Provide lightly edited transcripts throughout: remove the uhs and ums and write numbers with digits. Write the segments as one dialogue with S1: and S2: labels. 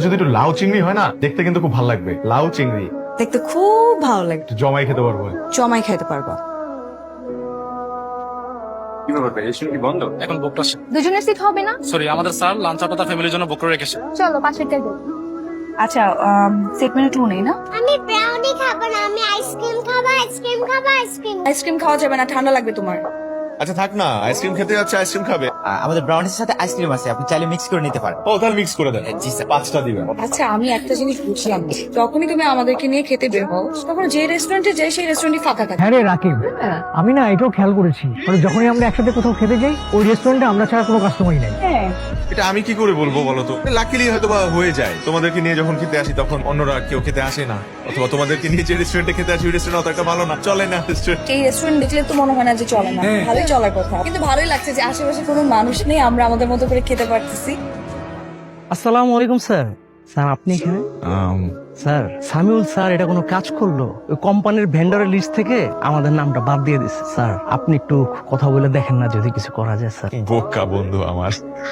S1: যদি একটু লাউ চিংড়ি হয় না, দেখতে কিন্তু খুব ভালো লাগবে। লাউ চিংড়ি
S2: দেখতে খুব ভালো লাগে।
S1: একটু জমাই খেতে পারবো।
S2: জমাই খাইতে পারবা।
S3: কি ব্যাপার ভাই, রেস্টুরেন্ট কি বন্ধ? এখন বুকটা
S4: দুজনের সিট হবে না?
S3: সরি, আমাদের স্যার লাঞ্চ আপাতত ফ্যামিলির জন্য বুক করে রেখেছে।
S4: চলো পাশেরটাই যাই।
S2: আচ্ছা সেট মেনু টু নেই না?
S5: আমি ব্রাউনি খাবো না, আমি আইসক্রিম খাবো, আইসক্রিম খাবো, আইসক্রিম।
S2: আইসক্রিম খাওয়া যাবে না, ঠান্ডা লাগবে তোমার।
S1: আচ্ছা থাক না, আইসক্রিম খেতে যাচ্ছে, আইসক্রিম খাবে।
S6: আমাদের ব্রাউনির সাথে আইসক্রিম আছে, আপনি চাইলে মিক্স করে নিতে পারেন।
S1: ও তাহলে মিক্স করে দেন।
S6: জি স্যার।
S1: 5টা দিবেন।
S2: আচ্ছা আমি একটা জিনিস বুঝলাম না। যখনই তুমি আমাদেরকে নিয়ে খেতে বের হও, তখন যে রেস্টুরেন্টে যাই সেই রেস্টুরেন্টই ফাঁকা থাকে।
S7: হ্যাঁ রে রাকিব, আমি না এটাও খেয়াল করেছি, মানে যখনই আমরা একসাথে কোথাও খেতে যাই ওই রেস্টুরেন্টে আমরা ছাড়া কোনো কাস্টমারই নাই।
S1: এটা আমি কি করে বলবো বলো তো? লাকিলি হয়তো বা হয়ে যায়। তোমাদেরকে নিয়ে যখন খেতে আসি তখন অন্যরা কেউ খেতে আসে না, অথবা তোমাদেরকে নিয়ে যে রেস্টুরেন্টে খেতে আসি ওই রেস্টুরেন্ট অত একটা ভালো না, চলে না রেস্টুরেন্ট।
S2: এই রেস্টুরেন্ট দেখলে তো মনে হয় না যে চলে না, ভালোই চলার কথা। কিন্তু ভালোই লাগছে যে আশেপাশে কোনো মানুষ নেই, আমরা আমাদের মতো করে খেতে পারতেছি।
S7: আসসালামু আলাইকুম স্যার। স্যার আপনি এখানে? স্যার সামিউল স্যার এটা কোনো কাজ করলো? ওই কোম্পানির ভেন্ডরের লিস্ট থেকে আমাদের নামটা বাদ দিয়ে দিচ্ছে। স্যার আপনি একটু কথা বলে দেখেন না যদি কিছু করা যায় স্যার।
S1: বোকা বন্ধু আমার।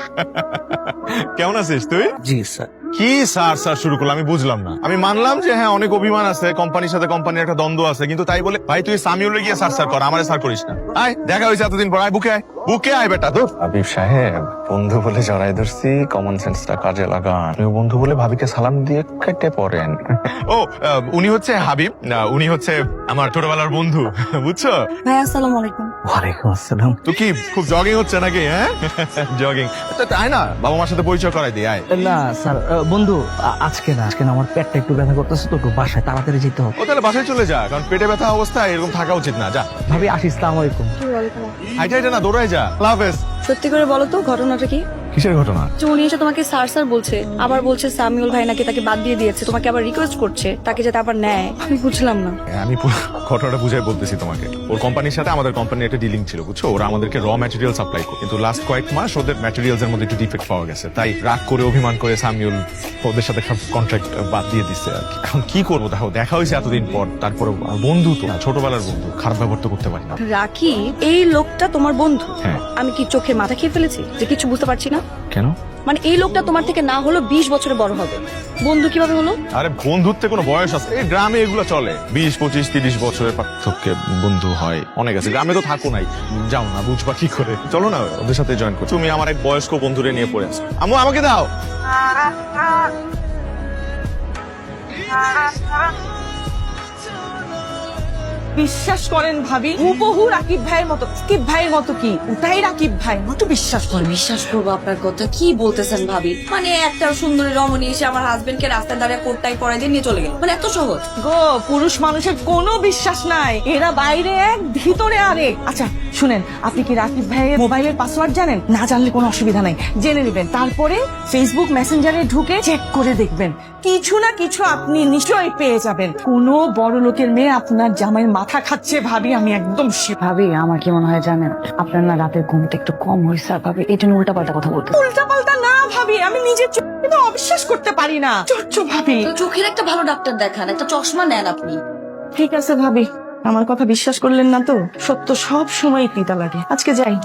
S1: কেমন আছিস তুই?
S7: জি স্যার।
S1: কি স্যার স্যার শুরু করলাম আমি বুঝলাম না। আমি মানলাম যে হ্যাঁ অনেক অভিমান আছে, কোম্পানির সাথে কোম্পানির একটা দ্বন্দ্ব আছে, কিন্তু তাই বলে ভাই তুই সামিউলে গিয়ে স্যার স্যার কর, আমারে স্যার করিস না। আয় দেখা হয়েছে এতদিন পর, আয় বুকে আয়, বুকে আয় বেটা। তো
S8: হাবিব সাহেব, বন্ধু বলে জড়াই ধরছি, কমন সেন্সটা কাজে লাগান। বন্ধু বলে ভাবিকে সালাম দিয়ে কেটে পড়েন।
S1: ও উনি হচ্ছে হাবিব, না উনি হচ্ছে আমার ছোটবেলার বন্ধু, বুঝছো?
S2: ভাই আসসালামু আলাইকুম।
S7: ওয়ালাইকুম আসসালাম।
S1: তো কি খুব জগিং হচ্ছে নাকি? হ্যাঁ জগিং। তাই না, বাবা মার সাথে পরিচয় করাই দিই, আয়।
S7: না স্যার বন্ধু আজকে না, আজকে না আমার পেটটা একটু ব্যথা করতেছে তো একটু বাসায় তাড়াতাড়ি যেতে হবে।
S1: ও তাহলে বাসায় চলে যা, কারণ পেটে ব্যথা অবস্থায় এরকম থাকা উচিত না। যা
S7: ভাবি আসি, আসসালামু আলাইকুম।
S1: হাইটে হাইটে না, দৌড়াই যা। আল্লাহ হাফেজ।
S2: সত্যি করে বলো তো ঘটনাটা কি?
S1: কিসের ঘটনা?
S2: যে উনি এসে তোমাকে স্যার স্যার বলছে, আবার বলছে সামিউল ভাই নাকি তাকে বাদ দিয়ে দিয়েছে, তোমাকে আবার রিকোয়েস্ট করছে তাকে যাতে আবার নেয়। আমি বুঝলাম না।
S1: আমি পুরো ঘটনাটা বুঝাই বলতেছি তোমাকে। ওর কোম্পানির সাথে আমাদের কোম্পানির একটা ডিলিং ছিল, বুঝছো? ওরা আমাদেরকে র ম্যাটেরিয়াল সাপ্লাই করে, কিন্তু লাস্ট কয়েক মাস ওদের ম্যাটেরিয়ালস এর মধ্যে একটু ডিফেক্ট পাওয়া গেছে, তাই রাগ করে অভিমান করে সামিউল ওদের সাথে সব কন্ট্রাক্ট বাদ দিয়ে দিচ্ছে আর কি। এখন কি করবো? দেখো দেখা হয়েছে এতদিন পর, তারপরে বন্ধু তো ছোটবেলার বন্ধু, খারাপ ব্যবহার তো করতে পারি না।
S2: রাখি এই লোকটা তোমার বন্ধু?
S1: হ্যাঁ।
S2: আমি কি চোখে মাথা খেয়ে ফেলেছি যে কিছু বুঝতে পারছি না?
S1: কেন?
S2: মানে এই লোকটা তোমার থেকে না হলো 20 বছরে বড় হবে, বন্ধু কিভাবে হলো?
S1: আরে বন্ধুত্বে কোনো বয়স আছে? এই গ্রামে এগুলো চলে, 20, 25, 30 বছরের পার্থক্যে বন্ধু হয় অনেক আছে। গ্রামে তো থাকো নাই, যাও না, বুঝবা কি করে? চলো না ওদের সাথে জয়েন করো। তুমি আমার এক বয়স্ক বন্ধুরে নিয়ে পড়ে আসো। আম্মু আমাকে দাও।
S9: বিশ্বাস করেন ভাবি, হুবহু রাকিব ভাইয়ের মতো। রাকিব ভাইয়ের মতো কি? ওটাই রাকিব ভাই, মতো বিশ্বাস করেন।
S2: বিশ্বাস করবো আপনার কথা? কি বলতেছেন ভাবি? মানে একটা সুন্দরী রমণী এসে আমার হাজবেন্ড কে রাস্তায় দাঁড়িয়ে কোটটাই পরাই দিয়ে নিয়ে চলে গেল, মানে এত সহজ?
S9: গো, পুরুষ মানুষের কোনো বিশ্বাস নাই, এরা বাইরে এক ভিতরে আরেক। আচ্ছা শুনেন, আপনি কি রাকিব ভাইয়ের মোবাইলের পাসওয়ার্ড জানেন? না জানলে কোনো অসুবিধা নাই, জেনে নেবেন। তারপরে ফেসবুক মেসেঞ্জারে ঢুকে চেক করে দেখবেন, কিছু না কিছু আপনি নিশ্চয়ই পেয়ে যাবেন। কোনো বড় লোকের মেয়ে আপনার জামাইয়ের মাথা খাচ্ছে ভাবি, আমি একদম
S2: ভাবি আমার কি মনে হয় জানেন, আপনার না রাতের ঘুমটা একটু কম হয়েছে ভাবি, এই জন্য উল্টা পাল্টা কথা বলতে।
S9: উল্টা পাল্টা না ভাবি, আমি নিজের চোখে তো অবিশ্বাস করতে পারি না। চোচ্চ ভাবি,
S2: তো চোখের একটা ভালো ডাক্তার দেখান, একটা চশমা নেন আপনি।
S9: ঠিক আছে ভাবি, আমার কথা বিশ্বাস করলেন না তো? সত্য সব সময় তিতা লাগে। আজকে যাই।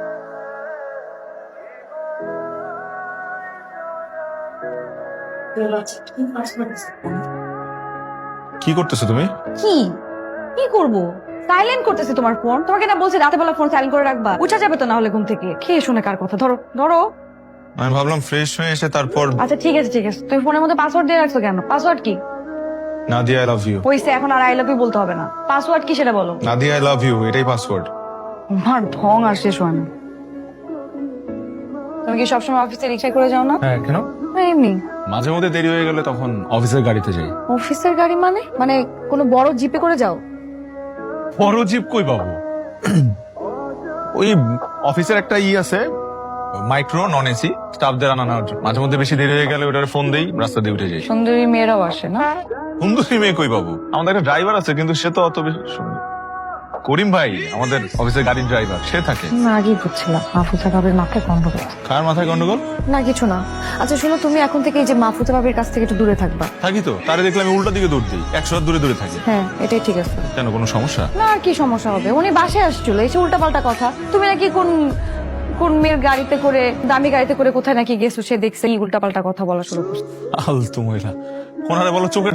S1: কি করতেছো তুমি?
S4: কি কি করবো? সাইলেন্ট করতেছি তোমার ফোন। তোমাকে না বলছি রাতে বেলা ফোন সাইলেন্ট করে রাখবা, উঠা যাবে তো না হলে ঘুম থেকে। খেয়ে শুনে কার কথা? ধরো ধরো।
S1: আমি ভাবলাম ফ্রেশ হয়ে এসে তারপর।
S4: আচ্ছা ঠিক আছে ঠিক আছে, তুমি ফোনের মধ্যে পাসওয়ার্ড দিয়ে রাখছো কেন? পাসওয়ার্ড কি?
S1: Nadia I love you.
S4: হইছে, এখন আর আই লাভ ইউ বলতে হবে না। পাসওয়ার্ড কি সেটা বলো।
S1: নাদিয়া আই লাভ ইউ, এটাই পাসওয়ার্ড।
S4: আমার ঢং আর শেষ হয় না। তুমি কি সবসময় অফিসে রিক্সায় করে যাও না?
S1: হ্যাঁ কেন?
S4: না, এমনি।
S1: মাঝে মধ্যে দেরি হয়ে গেলে তখন অফিসের গাড়িতে যাই।
S4: অফিসের গাড়ি মানে? মানে কোনো বড় জিপে করে যাও?
S1: বড় জিপ কই পাবো? ওই অফিসের একটা আছে, মাইক্রো নন এসি, স্টাফদের আনা নেওয়ার জন্য। মাঝে মধ্যে বেশি দেরি হয়ে গেলে ওটার ফোন দেই, রাস্তা দিয়ে উঠে যাই।
S4: সুন্দরী মেয়েরাও আসে না?
S1: সুন্দরী মেয়ে কই পাবো? আমাদের একটা ড্রাইভার আছে, কিন্তু সে তো অত বেশি সুন্দর। করিম ভাই আমাদের অফিসের গাড়ির ড্রাইভার, সে থাকে।
S4: না আগেই বুঝছিলাম মাহফুজা ভাবির মাথায় গন্ডগোল।
S1: কার মাথায় গন্ডগোল?
S4: না কিছু না। আচ্ছা শোনো, তুমি এখন থেকে এই যে মাহফুজা ভাবির কাছ থেকে একটু দূরে থাকবা।
S1: থাকি তো, তারে দেখলে আমি উল্টা দিকে দৌড় দিই, 100 হাত দূরে দূরে থাকি।
S4: হ্যাঁ এটাই ঠিক আছে।
S1: কেন, কোনো সমস্যা?
S4: না আর কি সমস্যা হবে? উনি বাসায় আসছিল, এসে উল্টা পাল্টা কথা। তুমি নাকি কোন কোন মেয়ের গাড়িতে করে দামি গাড়িতে করে কোথায় নাকি গেছো সে দেখছে উল্টাপাল্টা কথা বলা শুরু করছে।
S1: আলতু মহিলা কোনারে বলো চোখের